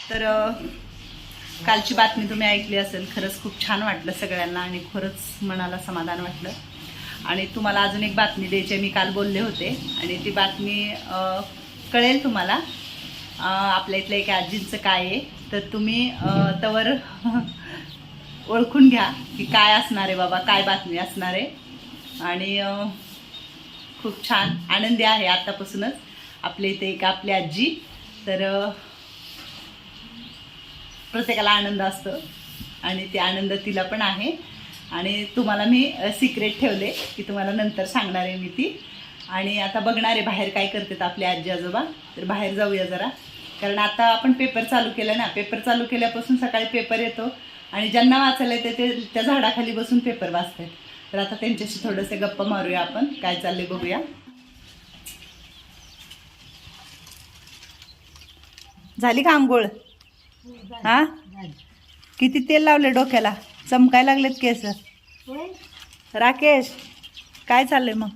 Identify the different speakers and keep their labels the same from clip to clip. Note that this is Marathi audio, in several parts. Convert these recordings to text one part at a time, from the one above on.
Speaker 1: तर कालची बातमी तुम्ही ऐकली असेल. खरंच खूप छान वाटलं सगळ्यांना आणि खरंच मनाला समाधान वाटलं. आणि तुम्हाला अजून एक बातमी द्यायची मी काल बोलले होते आणि ती बातमी कळेल तुम्हाला. आपल्या इथल्या एका आजींचं काय आहे तर तुम्ही तवर ओळखून घ्या की काय असणार आहे बाबा, काय बातमी असणार आहे. आणि खूप छान आनंदी आहे आतापासूनच आपल्या इथे एक आपली आजी. तर प्रत्येकाला आनंद असतो आणि ते आनंद तिला पण आहे. आणि तुम्हाला मी सिक्रेट ठेवले की तुम्हाला नंतर सांगणार आहे मी ती. आणि आता बघणार आहे बाहेर काय करतात आपले आजी आजोबा. तर बाहेर जाऊया जरा, कारण आता आपण पेपर चालू केलं ना. पेपर चालू केल्यापासून सकाळी पेपर येतो आणि ज्यांना वाचायला येते ते त्या झाडाखाली बसून पेपर वाचतात. तर आता त्यांच्याशी थोडंसं गप्पा मारूया आपण, काय चाललंय बघूया. झाली का आंघोळ? हा, किती तेल लावले डोक्याला, चमकायला लागलेत केस. राकेश काय चाललंय मग?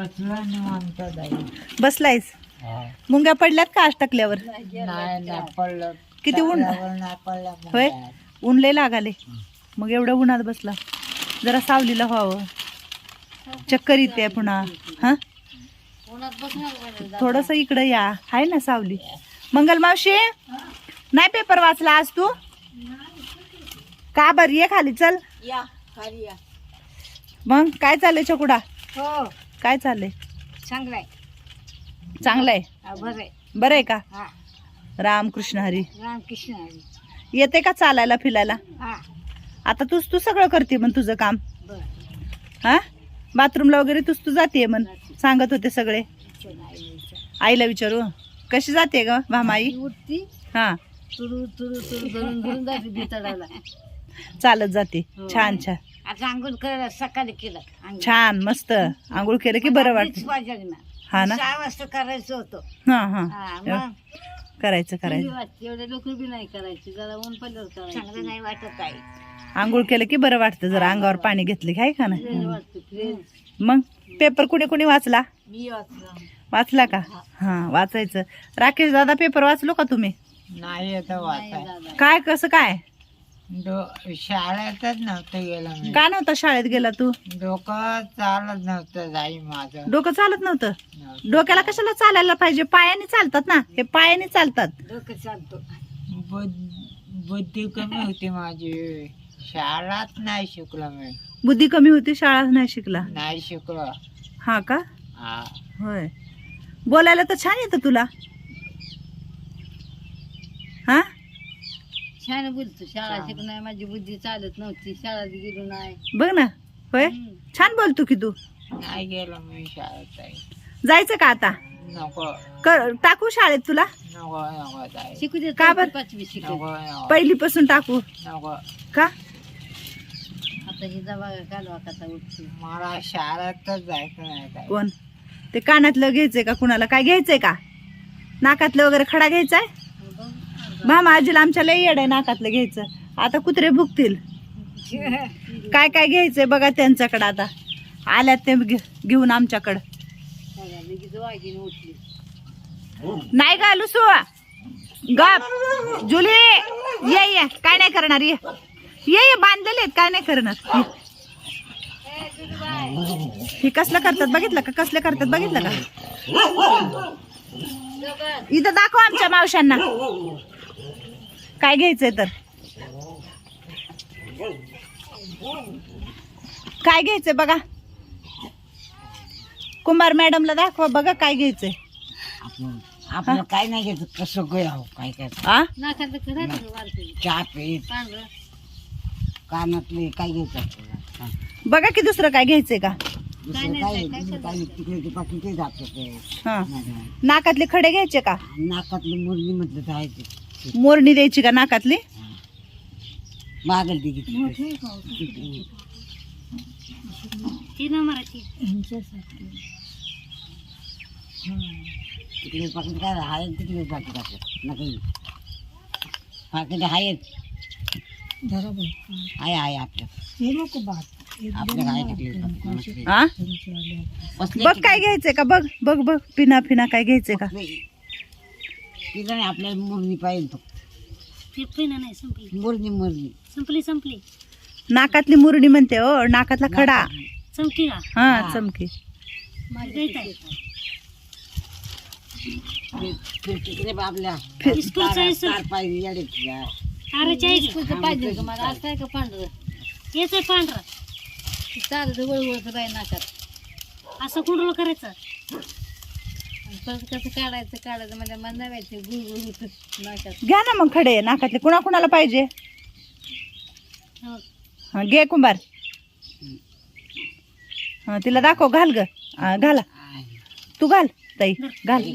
Speaker 1: बसलायस? मुंग्या पडल्यात का आज टाकल्यावर? किती ऊन होय, ऊन लय लागाले. मग एवढं उन्हात बसला, जरा सावलीला व्हावं. चक्कर येते पुन्हा. हा, थोडस इकडं या, आहे ना सावली. मंगल मावशी नाही पेपर वाचला आज तू का? बर ये खाली, चल
Speaker 2: या खाली या.
Speaker 1: मग काय चाललंय चकुडा?
Speaker 2: हो
Speaker 1: काय चाललंय?
Speaker 2: चांगलाय.
Speaker 1: चांगलंय,
Speaker 2: बरं
Speaker 1: बरं आहे का?
Speaker 2: हा.
Speaker 1: रामकृष्ण हरी.
Speaker 2: रामकृष्ण हरी.
Speaker 1: येते का चालायला फिरायला?
Speaker 2: हा
Speaker 1: आता तू सगळं करते मग तुझं काम.
Speaker 2: बर.
Speaker 1: हा, बाथरूमला वगैरे तू जाते म्हण सांगत होते सगळे. आईला विचारू कशी जाते ग भामाई?
Speaker 2: उठती
Speaker 1: हा,
Speaker 2: तुरु तुरु तुरु धरून धरून जाते भितडाला.
Speaker 1: चालत जाते.
Speaker 2: हो.
Speaker 1: छान छान
Speaker 2: आता आंघोळ करायला सकाळी केलं.
Speaker 1: छान मस्त. आंघोळ केलं की बरं वाटतं.
Speaker 2: पाहिजे ना.
Speaker 1: हा ना.
Speaker 2: 6 वाजता करायचं होतं.
Speaker 1: हा हा,
Speaker 2: हा, मग
Speaker 1: करायचं करायचं.
Speaker 2: एवढे लोक बी नाही करायची, जरा ऊन पडल्यावर करायचं. चांगलं नाही वाटत आहे.
Speaker 1: आंघोळ केलं की बरं वाटतं. जरा अंगावर पाणी घेतलं की आहे का ना.
Speaker 2: वाटतं फ्रेश.
Speaker 1: मग पेपर कुणी वाचला?
Speaker 2: मी वाचलं.
Speaker 1: वाचला का? हा, वाचायचं. राकेश दादा पेपर वाचलो का तुम्ही?
Speaker 3: नाही आता वाचाय.
Speaker 1: काय कसं काय?
Speaker 3: शाळेतच नव्हतं गेलं मी.
Speaker 1: का नव्हता शाळेत गेला तू?
Speaker 3: डोकं चालत नव्हतं जाई माझं.
Speaker 1: डोकं चालत नव्हतं? डोक्याला कशाला चालायला पाहिजे? पायाने चालतात ना, हे पायाने चालतात.
Speaker 2: डोकं चालतो.
Speaker 3: बुद्धी कमी होती माझी. शाळात नाही शिकलो मी.
Speaker 1: बुद्धी कमी होती, शाळा नाही शिकला?
Speaker 3: नाही शिकलो.
Speaker 1: हा का?
Speaker 3: हा.
Speaker 1: होय. बोलायला तर छान येतं तुला. हा,
Speaker 2: छान बोलतो. शाळा शिकणार माझी बुद्धी चालत नव्हती. शाळेत गेलो नाही.
Speaker 1: बघ ना. होय, छान बोलतो की तू.
Speaker 3: नाही गेलो मी शाळेत.
Speaker 1: जायचं का आता?
Speaker 3: नको
Speaker 1: टाकू शाळेत तुला?
Speaker 3: नको नको जाय.
Speaker 2: शिकू दे.
Speaker 1: का बरं?
Speaker 2: 5वी शिकू.
Speaker 3: नको नको
Speaker 1: पहिलीपासून टाकू
Speaker 3: नको.
Speaker 1: का?
Speaker 2: आता ही दवा कालवा कसा उठते.
Speaker 3: मला शाळेतच जायचं नाही काय.
Speaker 1: कोण ते कानातलं घ्यायचंय का? कुणाला काय घ्यायचंय का? नाकातलं वगैरे खडा घ्यायचाय? भामा आजीला आमच्या लई येड आहे नाकातलं घ्यायचं. आता कुत्रे भुकतील. काय काय घ्यायचंय बघा त्यांच्याकडे. आता आल्यात ते घेऊन आमच्याकडं.
Speaker 2: उठली.
Speaker 1: नाही का लुसू गप जुली, ये काय नाही करणार. ये बांधलेले आहेत, काय नाही करणार. हे कसलं करतात बघितलं का? कसले करतात बघितलं का? इथं दाखव आमच्या मावशांना काय घ्यायचंय. तर काय घ्यायचंय बघा. कुंभार मॅडमला दाखवा बघा काय घ्यायचंय.
Speaker 3: आपलं काय नाही घ्यायचं. कसं काय काय
Speaker 1: आ,
Speaker 2: नाकात करायचं वारकरी.
Speaker 3: चहा पीत
Speaker 2: पांढरं.
Speaker 3: कानातले काय घ्यायचं आपल्याला.
Speaker 1: बघा की दुसरं काय घ्यायचंय का?
Speaker 3: दुसरं काय काय तिकडे पाठी ते जात
Speaker 1: हा, नाकातले खडे घ्यायचे का?
Speaker 3: नाकातली मुरली म्हटलं जायचं.
Speaker 1: मोरणी द्यायची का नाकातली?
Speaker 3: मागल ती
Speaker 2: ती नंबराची.
Speaker 3: तिकडे पाकिट काय आहे. तिकडे पाकिट आपलं नका पाकिट आहेत. आहे आहे आपलं. आपलं आहे तिकडे.
Speaker 1: आ, बघ काय घ्यायचंय का? बघ बघ बघ, पिना काय घ्यायचंय का?
Speaker 3: तिथं नाही आपल्याला मुरली पाहिजे. तो
Speaker 2: ते पहिलं नाही संपली
Speaker 3: मुरणी मुरणी
Speaker 2: संपली संपली
Speaker 1: नाकातली मुरडी म्हणते हो, नाकातला खडा.
Speaker 2: चमकी का
Speaker 1: हा चमकी.
Speaker 3: फिरते आपल्या
Speaker 2: स्कूलचं
Speaker 3: तार पाहिजे याडे
Speaker 2: पाहिजे का मला आज काय का पांढरं येतोय पांढरा चालत वळवळत बाई नाकात असं कुंडलं करायचं परत कसं काढायचं म्हणजे मन नव्याचे गुळगुळ होत नाकात.
Speaker 1: घ्या ना मग खडे नाकातले, कुणाला पाहिजे.
Speaker 2: हो.
Speaker 1: हा घे कुंभार. हा तिला दाखव, घाल ग. घाला तू, घाल ताई घाल.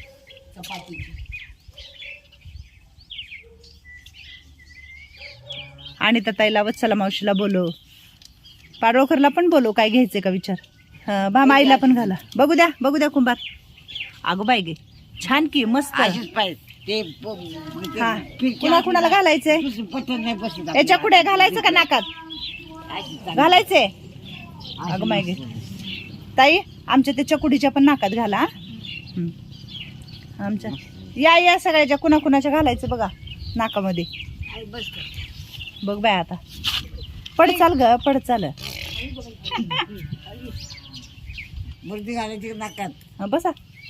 Speaker 1: आणि त्या ताईला वत्सला मावशीला बोलव, पाडळकरला पण बोलव, काय घ्यायचंय का विचार. भामाईला पण घाला. बघू द्या कुंभार. अगो बाई गे छान की मस्त. हा कुणाला घालायचंय.
Speaker 3: नाही बसत
Speaker 1: याच्या पुढे घालायचं का नाकात घालायचंय. अगं माय गे ताई आमच्या त्या चकुडीच्या पण नाकात घाला. आमच्या या सगळ्याच्या कुणाच्या घालायचं बघा नाकामध्ये. बघ बाय आता पड चाल ग, पड चाल.
Speaker 3: मुर्दी घालायची नाकात.
Speaker 1: बसा.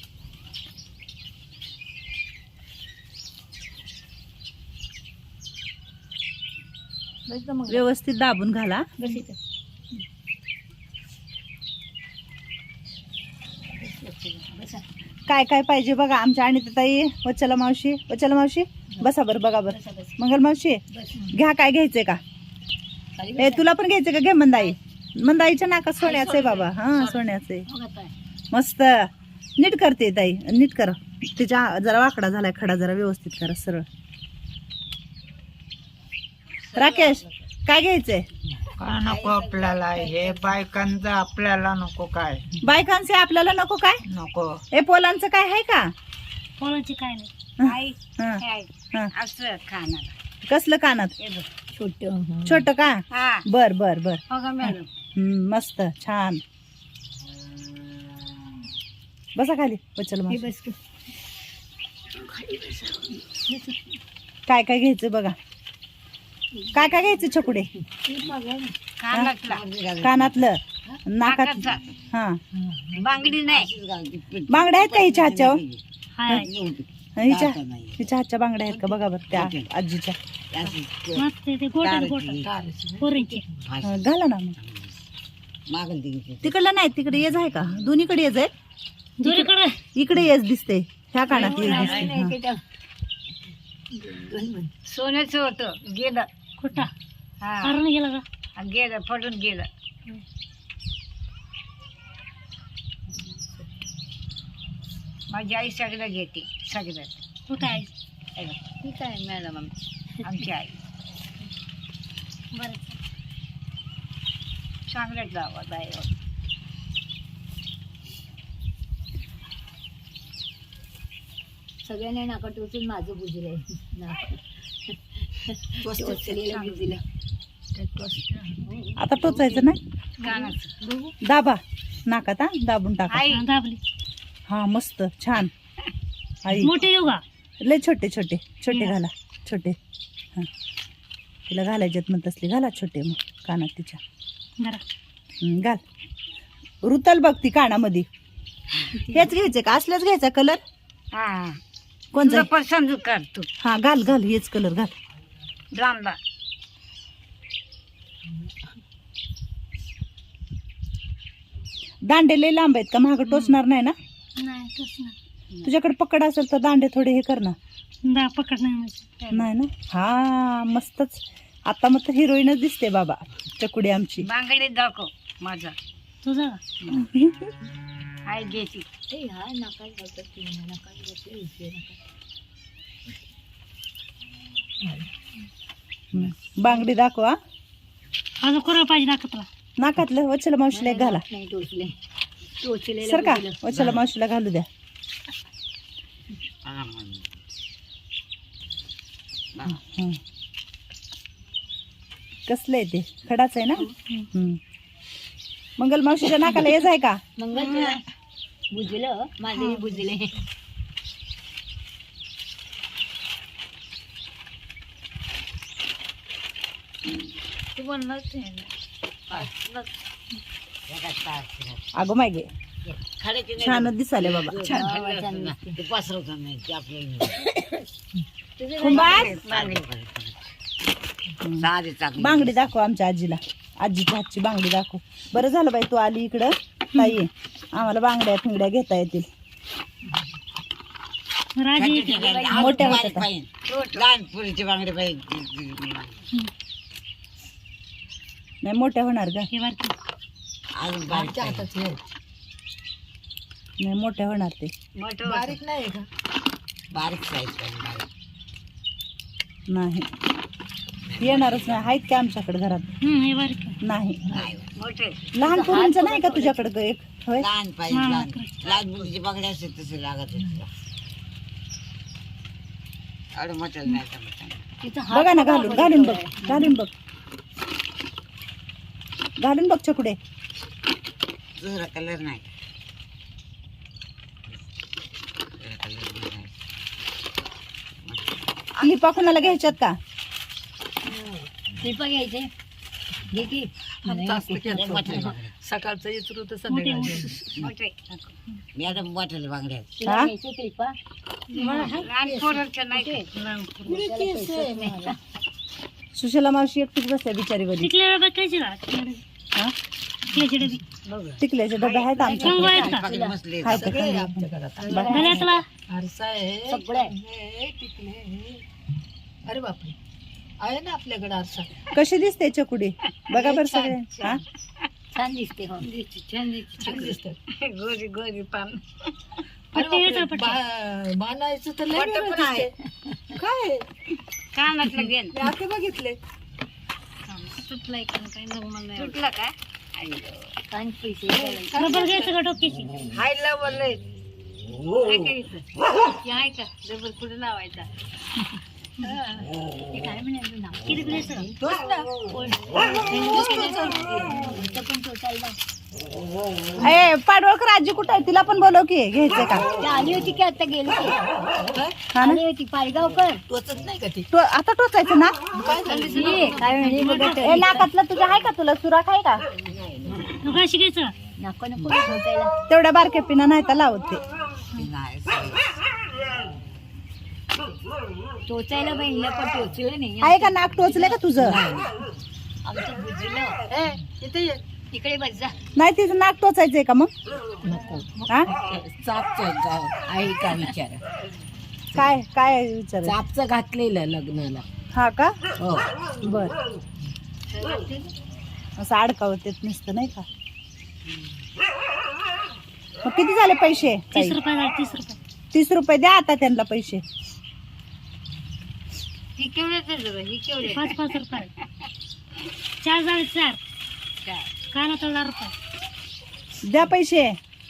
Speaker 1: व्यवस्थित दाबून घाला. काय काय पाहिजे बघा आमच्या आणि ताई. वत्सला मावशी बसा बरं, बघा बरं. मंगल मावशी घ्या, काय घ्यायचंय का. ए तुला पण घ्यायचंय का. घे मंदाईच्या नाकात सोन्याचं आहे बाबा. हा सोन्याचं आहे मस्त. नीट करते ताई, नीट कर. तिच्या जरा वाकडा झालाय खडा, जरा व्यवस्थित करा सरळ. राकेश काय घ्यायचंय.
Speaker 4: काय नको आपल्याला, हे बायकांचं आपल्याला नको. काय
Speaker 1: बायकांचे आपल्याला नको काय
Speaker 4: नको.
Speaker 1: ए पोलांचं काय आहे का.
Speaker 2: पोलांची काय नाही
Speaker 1: हा.
Speaker 2: असं खाणार
Speaker 1: कसलं कानात
Speaker 2: छोट
Speaker 1: छोट का. बर बर बर.
Speaker 2: हो का मॅडम.
Speaker 1: मस्त छान. बसा खाली. वचल काय काय घ्यायचं बघा. काय काय घ्यायचं छकुडे. कानातलं नाकात. हा
Speaker 2: बांगडी नाही.
Speaker 1: बांगड्या आहेत का हिच्या हातच्या.
Speaker 2: हाय
Speaker 1: हिच्या हातच्या बांगड्या आहेत का बघा बरं त्या आजीच्या.
Speaker 2: मस्त ते गोटन पोरींचे
Speaker 1: घाला ना मग. तिकडलं नाही, तिकडे येज आहे का. दोन्हीकडे येज आहे.
Speaker 2: दोन्हीकडे
Speaker 1: इकडे येज दिसते, ह्या कानात येज दिसते.
Speaker 2: सोन्याचं होतं गेलं कुठं. हरण गेलं का. गेलं पडून गेलं. माझी आई सगळं घेते सगळं. कुठं आहे ठीक आहे मॅडम आमची आई. बरं चांगल्याच गावात आहे. सगळ्यांनी नाका टोचून माझं बुजलंय.
Speaker 1: आता टोचायचं नाही. दाबा नाकात. हा दाबून टाका.
Speaker 2: दाबली.
Speaker 1: हा मस्त छान. आई
Speaker 2: मोठे येऊ का.
Speaker 1: लय छोटे घाला. छोटे हा तिला घालायच्यात मग तसले घाला छोटे. मग कानात तिच्या घाल. रुतल बघ ती कानामध्ये. हेच घ्यायचं का, असल्याच घ्यायचा कलर. कोणता
Speaker 2: पसंत कर तू.
Speaker 1: हा घाल हेच कलर घाल.
Speaker 2: लांबा
Speaker 1: दांडे लय लांब आहेत का, महाग टोचणार नाही ना.
Speaker 2: नाही टोचणार.
Speaker 1: तुझ्याकडे पकड असेल तर दांडे थोडे हे कर ना.
Speaker 2: पकड
Speaker 1: नाही ना. हा मस्तच. आता मग हिरोईनच दिसते बाबा चकुडी आमची.
Speaker 2: बांगडी दाखव माझा तुझा. आई घ्यायची.
Speaker 1: बांगडी दाखवा.
Speaker 2: अजून कोणा पाहिजे नाकातला.
Speaker 1: नाकातलं वचला मावशीला एक घाला. सर का वचला मावशीला घालू द्या. कसलं आहे ते. खडाच आहे ना. मंगल मावशीच्या नाकाला येज आहे का.
Speaker 2: मंगल बुजलं माझे बुजले. तू म्हणलाच
Speaker 1: अगं मागे
Speaker 3: खाण्याची नाही
Speaker 1: छान दिसाले बाबा
Speaker 3: ते पसरवतात नाही ते आपल्याला
Speaker 1: कुंभार
Speaker 3: साधी चांगली
Speaker 1: बांगडी दाखव आमच्या आजीला. आजीच्या हातची बांगडी दाखव. बरं झालं बाई तू आली इकडं ताई, आम्हाला बांगड्या फिंगड्या घेता येतील. मोठ्या होत्या का?
Speaker 3: लहान पुरीची बांगडी पाहिजे.
Speaker 1: नाही मोठ्या होणार का?
Speaker 3: अजून बारीक
Speaker 1: नाही मोठ्या होणार ते.
Speaker 3: बारीक नाही का? बारीक साईज पाहिजे.
Speaker 1: नाही येणारच नाही. आहेत का आमच्याकडे घरात? नाही. लहान पोरींचं नाही का तुझ्याकडे ग एक? होय
Speaker 3: लहान पाहिजे. लहान लहान मुलीची बांगडी असते तसे लागत होती. एवढं मोठं नाही जमत.
Speaker 1: बघा ना घालून घालून बघ घालून बघ घालून बघ चकुडे.
Speaker 3: दुसरा कलर नाही.
Speaker 1: क्लिपा कुणाला घ्यायच्यात का?
Speaker 2: क्लिपा घ्यायचे घे की.
Speaker 3: सकाळचं येतो तर मोठे मी आता मोठ्याला बांगड्या
Speaker 1: हा?
Speaker 2: घ्यायचे क्लिपा.
Speaker 1: सुशीला मावशी एकटीच बसल्या बिचारी बरी. हा? टिकल्याचे डबे आहेत आमच्याकडे.
Speaker 3: मसले
Speaker 1: आहेत का चांगले? बघा.
Speaker 4: अरे बापरे, आहे ना आपल्याकडे आरसा.
Speaker 1: कशी दिसते चकुडी बघा बरं सगळे. हा
Speaker 2: छान दिसते. हो छान दिसते.
Speaker 3: गोरी गोरी पान.
Speaker 4: बाणायचं तर लय वेगळं दिसते. काय
Speaker 2: कानातलं घे
Speaker 4: मी आता बघितले.
Speaker 2: तुटलाय का काय नग
Speaker 3: तुटला काय?
Speaker 2: कान पैसे घ्यायचं का डोक्याची?
Speaker 3: हाय लवलय.
Speaker 2: आहे का डबल कुठे लावायचा? काय म्हणायचं ना किती घ्यायचं?
Speaker 1: ए पाडवळकर आजी कुठं आहे? तिला पण बोलव की. घ्यायचं का?
Speaker 2: आली होती की आता गेली की.
Speaker 1: हा ना?
Speaker 2: आली होती पायगावकर.
Speaker 4: टोचत नाही का ती?
Speaker 1: आता टोचायचं ना?
Speaker 2: ये, काय म्हणे
Speaker 1: ए नाकातलं तुझ्या आहे का? तुला सुराख आहे का?
Speaker 2: नको नको ठोचायला.
Speaker 1: तेवढ्या बारक्या पिना नाही तर लावत ते.
Speaker 2: टोचायला बहिणीला पण टोचलं नाही.
Speaker 1: आहे का नाक टोचले का तुझं?
Speaker 2: आमचं बुजलं.
Speaker 4: इथे ये.
Speaker 2: इकडे बस जा.
Speaker 1: नाही तिचं नाक टोचायचंय का मग? हा
Speaker 3: आहे का विचार?
Speaker 1: काय काय विचार?
Speaker 3: चापचं घातलेलं लग्नाला.
Speaker 1: हा का?
Speaker 3: हो.
Speaker 1: बर असं अडकावत येत नसतं नाही का? मग किती झाले पैसे?
Speaker 2: 30 रुपये झाले. 30 रुपये.
Speaker 1: 30 रुपये द्या आता त्यांना पैसे.
Speaker 2: ही केवढे? ही केवढे? 5 रुपये. 4 झाले. 4 काना 1000 रुपये
Speaker 1: द्या पैसे.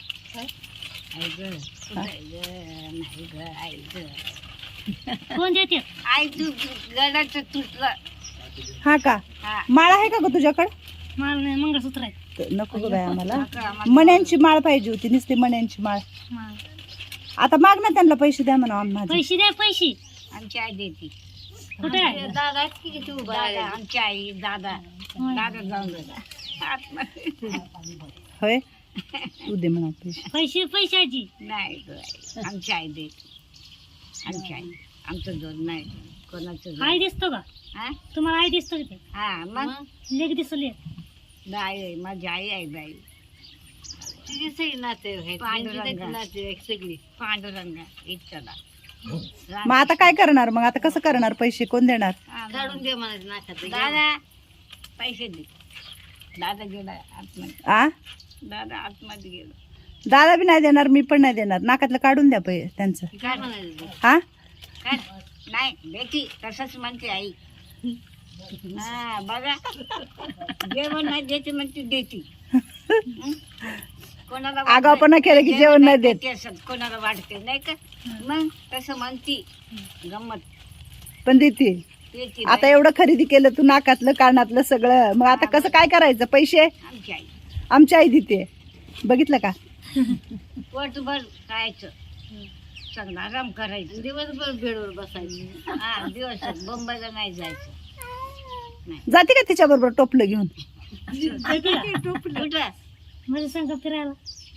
Speaker 2: कोण देते? आई तू गडाचं तुटलं.
Speaker 1: हा का? माळ आहे का ग तुझ्याकडे?
Speaker 2: माल नाही, मंगळसूत्र आहे.
Speaker 1: नको ग बाई आम्हाला मण्यांची माळ पाहिजे होती. नुसती मण्यांची माळ. आता माग ना त्यांना पैसे द्या म्हणा. माझे
Speaker 2: पैसे द्या. पैसे आमची आई देते. कुठे आहे? दादा की तू? आमची आई दादा जाऊन
Speaker 1: होय तू दे म्हणा पैसे.
Speaker 2: पैशाची नाही आमची आई देते. आमची आई आमचं जोड नाही कोणाचं. आई दिसतो का? तुम्हाला आई दिसतो का? हा मग लेक दिसली. बाई माझी आई आहे. बाई तुझी सगळी नाते सगळी पांडुरंगा इच्छाला.
Speaker 1: मग आता काय करणार? मग आता कसं करणार? पैसे कोण देणार?
Speaker 2: काढून दे म्हणायचं नाकात. दादा पैसे दे. दादा गेला आतमध्ये.
Speaker 1: आ
Speaker 2: दादा आतमध्ये गेला.
Speaker 1: दादा बी नाही देणार, मी पण नाही देणार. नाकातलं काढून द्या त्यांचं.
Speaker 2: काय म्हणायचं?
Speaker 1: हा
Speaker 2: काय नाही बेटी तसंच म्हणते आई. हा बघा जेवण नाही देते म्हणते देते. कोणाला
Speaker 1: आगाऊपणा केलं की जेवण नाही देत.
Speaker 2: कोणाला वाटते नाही का? मग तसं म्हणती गंमत.
Speaker 1: पण देते. आता एवढं खरेदी केलं तू नाकातलं कानातलं सगळं. मग आता कसं काय करायचं? पैसे
Speaker 2: आमची आई
Speaker 1: आमची आई देते. बघितलं का?
Speaker 2: पोटभर खायचं, चांगला आराम करायचं, दिवसभर बेडवर बसायचं. हा दिवसात मुंबईला नाही जायचं.
Speaker 1: जाते का तिच्या बरोबर टोपलं घेऊन?
Speaker 2: कुठं म्हणजे सांग फिरायला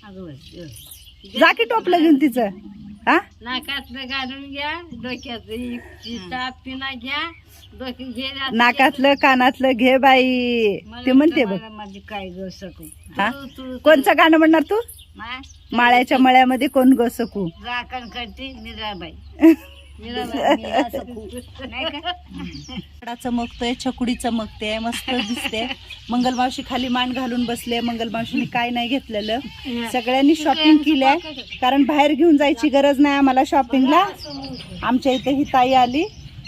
Speaker 1: जा की टोपलं घेऊन तिचं. हा
Speaker 2: नाकातलं घालून घ्या, डोक्यात पिना घ्या, डोकी घे.
Speaker 1: नाकातलं कानातलं घे बाई, ते म्हणते बघ.
Speaker 2: माझी काय ग सकू
Speaker 1: हा कोणचं गाणं म्हणणार तू? माळ्याच्या मळ्यामध्ये कोण ग सकू?
Speaker 2: राखण करते मीराबाई.
Speaker 1: चमकतोय, छकुडी चमकते, मस्त दिसते. मंगलमावशी खाली मान घालून बसले. मंगलमावशीने काय नाही घेतलेलं, सगळ्यांनी शॉपिंग केलंय, कारण बाहेर घेऊन जायची गरज नाही आम्हाला शॉपिंगला. आमच्या इथे ही ताई आली.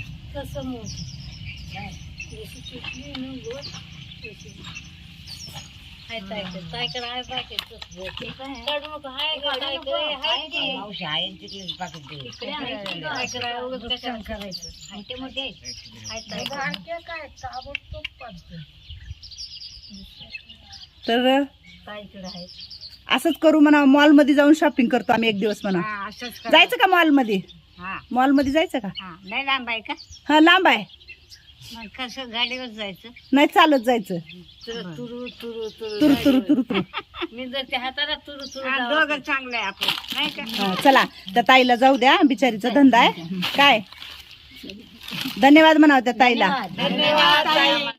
Speaker 3: मावशी आहे तिकडे पाकिट दे.
Speaker 1: तर असंच करू म्हणा, मॉल मध्ये जाऊन शॉपिंग करतो आम्ही एक दिवस म्हणा. जायचं का मॉल मध्ये? मॉल मध्ये जायचं का?
Speaker 2: नाही लांब आहे का?
Speaker 1: हा लांब आहे.
Speaker 2: मग कसं गाडीवर जायचं?
Speaker 1: नाही चालत जायचं.
Speaker 2: तुरु तुरु तुरु
Speaker 1: तुरु तुरु तुरु तुरु.
Speaker 2: मी जर त्या हाताला तुरु तुरु दोघं चांगलं आहे आपलं, नाही का?
Speaker 1: हा, चला त्या ताईला जाऊ द्या, बिचारीचा धंदा आहे काय. धन्यवाद म्हणावं त्या ताईला.
Speaker 2: धन्यवाद.